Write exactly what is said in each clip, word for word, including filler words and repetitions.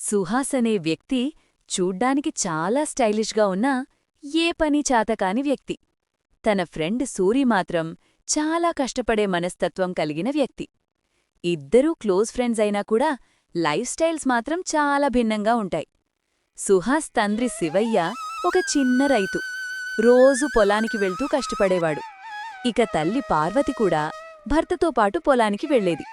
సుహాస్ అనే వ్యక్తి చూడ్డానికి చాలా స్టైలిష్గా ఉన్నా ఏ పని చాతకాని వ్యక్తి. తన ఫ్రెండ్ సూరి మాత్రం చాలా కష్టపడే మనస్తత్వం కలిగిన వ్యక్తి. ఇద్దరూ క్లోజ్ ఫ్రెండ్స్ అయినా కూడా లైఫ్ స్టైల్స్ మాత్రం చాలా భిన్నంగా ఉంటాయి. సుహాస్ తండ్రి శివయ్య ఒక చిన్న రైతు. రోజూ పొలానికి వెళ్తూ కష్టపడేవాడు. ఇక తల్లి పార్వతి కూడా భర్తతో పాటు పొలానికి వెళ్లేది.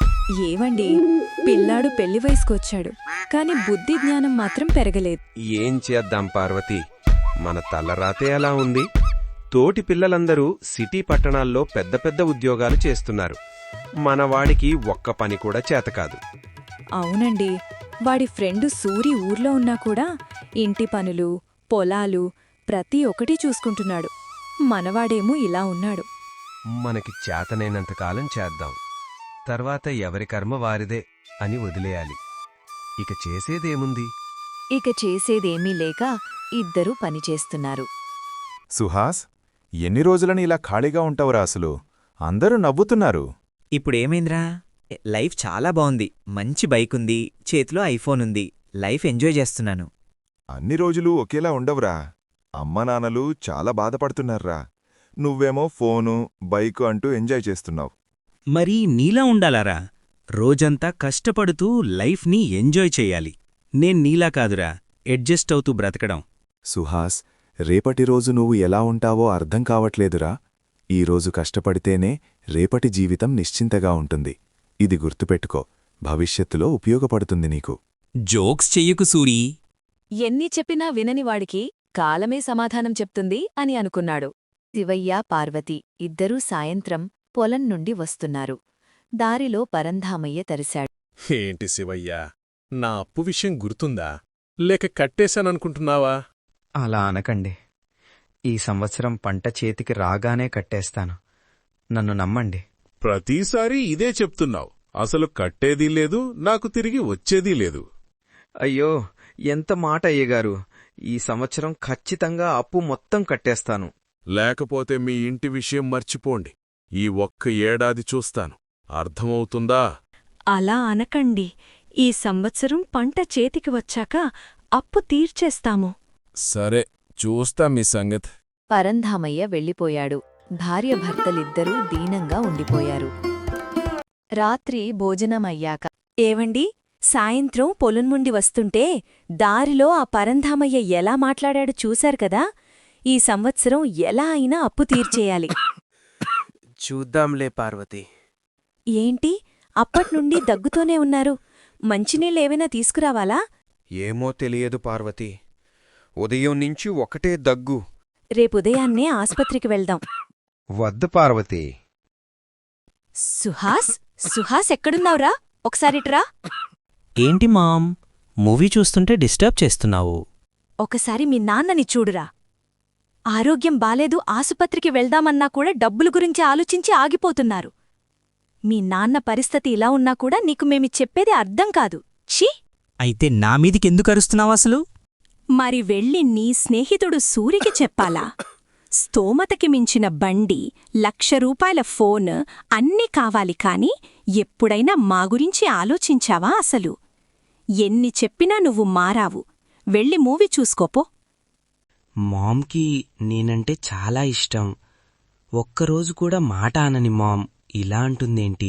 ఏవండి, పిల్లాడు పెళ్లి వయసుకొచ్చాడు, కాని బుద్ధి జ్ఞానం మాత్రం పెరగలేదు. ఏం చేద్దాం పార్వతి, మన తలరాతే అలా ఉంది. తోటి పిల్లలందరూ సిటీ పట్టణాల్లో పెద్ద పెద్ద ఉద్యోగాలు చేస్తున్నారు. మనవాడికి ఒక్క పని కూడా చేతకాదు. అవునండి, వాడి ఫ్రెండు సూరి ఊర్లో ఉన్నా కూడా ఇంటి పనులు, పొలాలు ప్రతి ఒక్కటీ చూసుకుంటున్నాడు. మనవాడేమో ఇలా ఉన్నాడు. మనకి చేతనైనంతకాలం చేద్దాం, తర్వాత ఎవరి కర్మ వారిదే అని వదిలేయాలి. ఇక చేసేదేముంది? ఇక చేసేదేమీ లేక ఇద్దరూ పనిచేస్తున్నారు. సుహాస్, ఎన్ని రోజులని ఇలా ఖాళీగా ఉంటావురా? అసలు అందరూ నవ్వుతున్నారు. ఇప్పుడేమైందిరా? లైఫ్ చాలా బావుంది. మంచి బైకుంది, చేతిలో ఐఫోన్ ఉంది. లైఫ్ ఎంజాయ్ చేస్తున్నాను. అన్ని రోజులు ఒకేలా ఉండవురా. అమ్మానాన్నలు చాలా బాధపడుతున్నారా. నువ్వేమో ఫోను, బైకు అంటూ ఎంజాయ్ చేస్తున్నావు. మరీ నీలా ఉండాలారా? రోజంతా కష్టపడుతూ లైఫ్ని ఎంజాయ్ చెయ్యాలి. నేన్ నీలా కాదురా, అడ్జస్ట్ అవుతూ బ్రతకడం. సుహాస్, రేపటి రోజు నువ్వు ఎలా ఉంటావో అర్థం కావట్లేదురా. ఈరోజు కష్టపడితేనే రేపటి జీవితం నిశ్చింతగా ఉంటుంది. ఇది గుర్తుపెట్టుకో, భవిష్యత్తులో ఉపయోగపడుతుంది నీకు. జోక్స్ చెయ్యకు సూరీ. ఎన్ని చెప్పినా విననివాడికి కాలమే సమాధానం చెప్తుంది అని అనుకున్నాడు. శివయ్య, పార్వతి ఇద్దరూ సాయంత్రం పొలం నుండి వస్తున్నారు. దారిలో పరంధామయ్య తరిశాడు. ఏంటి శివయ్యా, నా అప్పు విషయం గుర్తుందా? లేక కట్టేశాననుకుంటున్నావా? అలా అనకండి. ఈ సంవత్సరం పంట చేతికి రాగానే కట్టేస్తాను. నన్ను నమ్మండి. ప్రతిసారీ ఇదే చెప్తున్నావు. అసలు కట్టేదీ లేదు, నాకు తిరిగి వచ్చేదీ లేదు. అయ్యో, ఎంత మాట అయ్యగారు. ఈ సంవత్సరం ఖచ్చితంగా అప్పు మొత్తం కట్టేస్తాను. లేకపోతే మీ ఇంటి విషయం మర్చిపోండి. ఈ ఒక్క ఏడాది చూస్తాను. అర్థమవుతుందా? అలా అనకండి. ఈ సంవత్సరం పంట చేతికి వచ్చాక అప్పు తీర్చేస్తాము. సరే, చూస్తా మీ సంగతి. పరంధామయ్య వెళ్ళిపోయాడు. భార్యభర్తలిద్దరూ దీనంగా ఉండిపోయారు. రాత్రి భోజనమయ్యాక, ఏవండి, సాయంత్రం పొలం నుండి వస్తుంటే దారిలో ఆ పరంధామయ్య ఎలా మాట్లాడాడు చూశారు కదా. ఈ సంవత్సరం ఎలా అయినా అప్పు తీర్చేయాలి. చూద్దాంలే పార్వతి. ఏంటి, అప్పట్నుండి దగ్గుతోనే ఉన్నారు? మంచినీళ్ళేవైనా తీసుకురావాలా? ఏమో తెలియదు పార్వతి, ఉదయం నుంచి ఒకటే దగ్గు. రేపుదయాన్నే ఆస్పత్రికి వెళ్దాం. వద్దు పార్వతి. సుహాస్, సుహాస్ ఎక్కడున్నావురా? ఒకసారిట్రా. ఏంటి మామ్, మూవీ చూస్తుంటే డిస్టర్బ్ చేస్తున్నావు? ఒకసారి మీ నాన్నని చూడురా. ఆరోగ్యం బాలేదు, ఆసుపత్రికి వెళ్దామన్నా కూడా డబ్బులు గురించి ఆలోచించి ఆగిపోతున్నారు. మీ నాన్న పరిస్థితి ఇలా ఉన్నా కూడా నీకు మేమి చెప్పేది అర్థం కాదు. ఛీ! అయితే నా మీదికెందుకరుస్తున్నావసలు? మరి వెళ్ళి నీ స్నేహితుడు సూరికి చెప్పాలా? స్తోమతకి మించిన బండి, లక్ష రూపాయల ఫోన్ అన్నీ కావాలి కాని ఎప్పుడైనా మా గురించి ఆలోచించావా అసలు? ఎన్ని చెప్పినా నువ్వు మారావు. వెళ్ళి మూవీ చూసుకోపో. మామ్కి నేనంటే చాలా ఇష్టం. ఒక్కరోజు కూడా మాట అనని మామ్ ఇలా అంటుందేంటి?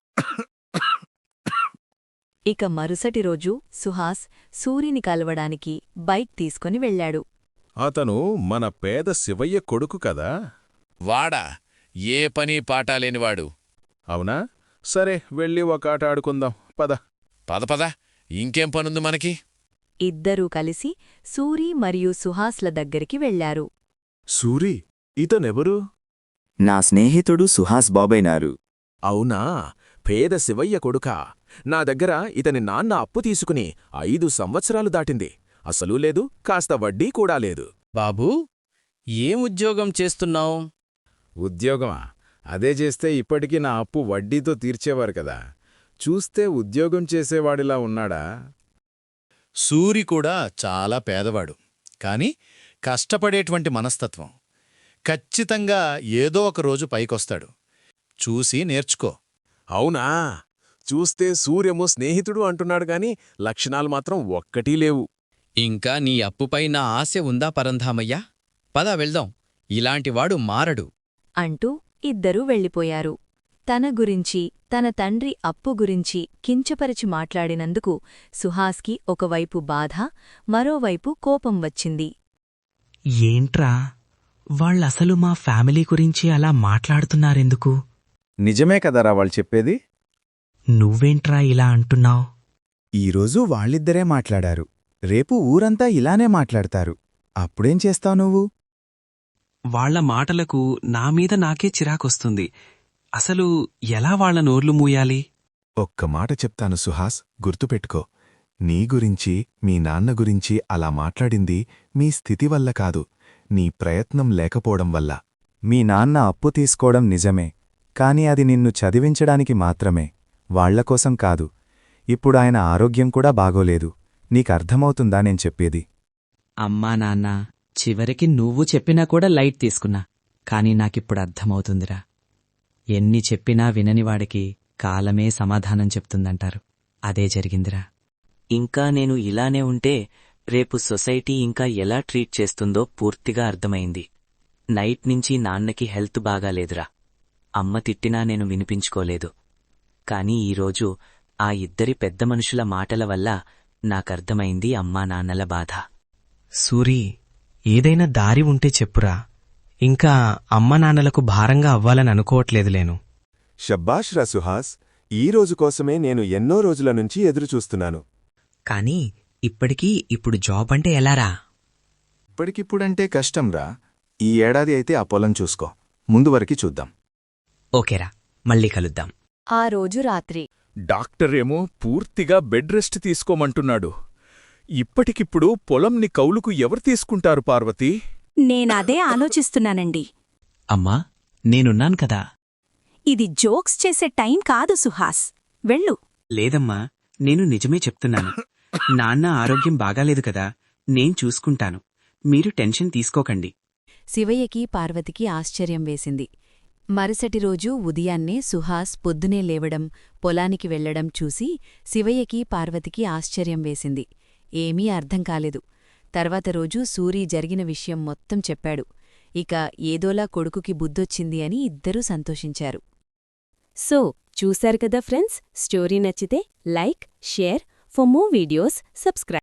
ఇక మరుసటి రోజు సుహాస్ సూరిని కలవడానికి బైక్ తీసుకుని వెళ్లాడు. అతను మన పేద శివయ్య కొడుకు కదా? వాడా? ఏ పని పాటాలేనివాడు. అవునా? సరే, వెళ్ళి ఒక ఆట ఆడుకుందాం. పద పద పద, ఇంకేం పనుంది మనకి? ఇద్దరూ కలిసి సూరి మరియు సుహాస్ల దగ్గరికి వెళ్లారు. సూరి, ఇతనెవరు? నా స్నేహితుడు సుహాస్ బాబైనారు. అవునా? పేద శివయ్య కొడుకా? నా దగ్గర ఇతని నాన్న అప్పు తీసుకుని ఐదు సంవత్సరాలు దాటింది. అసలూ లేదు, కాస్త వడ్డీ కూడా లేదు. బాబూ, ఏం ఉద్యోగం చేస్తున్నావు? ఉద్యోగమా? అదే చేస్తే ఇప్పటికీ నా అప్పు వడ్డీతో తీర్చేవారు కదా. చూస్తే ఉద్యోగం చేసేవాడిలా ఉన్నాడా? సూరి కూడా చాలా పేదవాడు, కాని కష్టపడేటువంటి మనస్తత్వం. ఖచ్చితంగా ఏదో ఒక రోజు పైకొస్తాడు. చూసి నేర్చుకో. అవునా? చూస్తే సూర్యము స్నేహితుడు అంటున్నాడు గాని లక్షణాలు మాత్రం ఒక్కటీ లేవు. ఇంకా నీ అప్పుపై నా ఆశ ఉందా పరంధామయ్యా? పద వెళ్దాం, ఇలాంటివాడు మారడు. అంటూ ఇద్దరూ వెళ్ళిపోయారు. తన గురించి, తన తండ్రి అప్పు గురించి కించపరిచి మాట్లాడినందుకు సుహాస్కి ఒకవైపు బాధ, మరోవైపు కోపం వచ్చింది. ఏంట్రా వాళ్ళసలు మా ఫ్యామిలీ గురించి అలా మాట్లాడుతున్నారెందుకు? నిజమే కదరా వాళ్ళు చెప్పేది. నువ్వేంట్రా ఇలా అంటున్నావ్? ఈరోజు వాళ్ళిద్దరే మాట్లాడారు, రేపు ఊరంతా ఇలానే మాట్లాడతారు. అప్పుడేం చేస్తావు నువ్వు? వాళ్ల మాటలకు నామీద నాకే చిరాకొస్తుంది. అసలు ఎలా వాళ్ల నోర్లు మూయాలి? ఒక్క మాట చెప్తాను సుహాస్, గుర్తుపెట్టుకో. నీ గురించి, మీ నాన్న గురించి అలా మాట్లాడింది మీ స్థితి వల్ల కాదు, నీ ప్రయత్నం లేకపోవడం వల్ల. మీ నాన్న అప్పు తీసుకోవడం నిజమే, కాని అది నిన్ను చదివించడానికి మాత్రమే, వాళ్లకోసం కాదు. ఇప్పుడు ఆయన ఆరోగ్యం కూడా బాగోలేదు. నీకర్థమవుతుందా నేను చెప్పేది? అమ్మా నాన్న చివరికి నువ్వు చెప్పినా కూడా లైట్ తీసుకున్నా, కాని నాకిప్పుడు అర్థమవుతుందిరా. ఎన్ని చెప్పినా విననివాడికి కాలమే సమాధానం చెప్తుందంటారు. అదే జరిగిందిరా. ఇంకా నేను ఇలానే ఉంటే రేపు సొసైటీ ఇంకా ఎలా ట్రీట్ చేస్తుందో పూర్తిగా అర్థమైంది. నైట్ నుంచి నాన్నకి హెల్త్ బాగాలేదురా. అమ్మ తిట్టినా నేను వినిపించుకోలేదు. కాని ఈరోజు ఆ ఇద్దరి పెద్ద మనుషుల మాటల వల్ల నాకర్థమైంది అమ్మా నాన్నల బాధ. సూరి, ఏదైనా దారి ఉంటే చెప్పురా. ఇంకా అమ్మ నాన్నలకు భారంగా అవ్వాలని అనుకోవట్లేదులేను. షబ్బాష్ రా సుహాస్, ఈ రోజు కోసమే నేను ఎన్నో రోజుల నుంచి ఎదురుచూస్తున్నాను. కానీ ఇప్పటికీ ఇప్పుడు జాబ్ అంటే ఎలారా? ఇప్పటికిప్పుడంటే కష్టంరా. ఈ ఏడాది అయితే ఆ పొలం చూసుకో, ముందు వరకి చూద్దాం. ఓకేరా, మళ్ళీ కలుద్దాం. ఆ రోజు రాత్రి డాక్టరేమో పూర్తిగా బెడ్ రెస్ట్ తీసుకోమంటున్నాడు. ఇప్పటికిప్పుడు పొలంని కౌలుకు ఎవరు తీసుకుంటారు పార్వతీ? నేనదే ఆలోచిస్తున్నానండి. అమ్మా, నేనున్నాను కదా. ఇది జోక్స్ చేసే టైం కాదు సుహాస్, వెళ్ళు. లేదమ్మా, నేను నిజమే చెప్తున్నాను. నాన్న ఆరోగ్యం బాగాలేదు కదా, నేను చూసుకుంటాను. మీరు టెన్షన్ తీసుకోకండి. శివయ్యకి పార్వతికి ఆశ్చర్యం వేసింది. మరుసటి రోజు ఉదయాన్నే సుహాస్ పొద్దునే లేవడం, పొలానికి వెళ్లడం చూసి శివయ్యకి పార్వతికి ఆశ్చర్యం వేసింది. ఏమీ అర్థం కాలేదు. తర్వాత రోజు సూరి జరిగిన విషయం మొత్తం చెప్పాడు. ఇక ఏదోలా కొడుకుకి బుద్ధొచ్చింది అని ఇద్దరూ సంతోషించారు. సో చూశారు కదా ఫ్రెండ్స్, స్టోరీ నచ్చితే like, share, for more videos subscribe.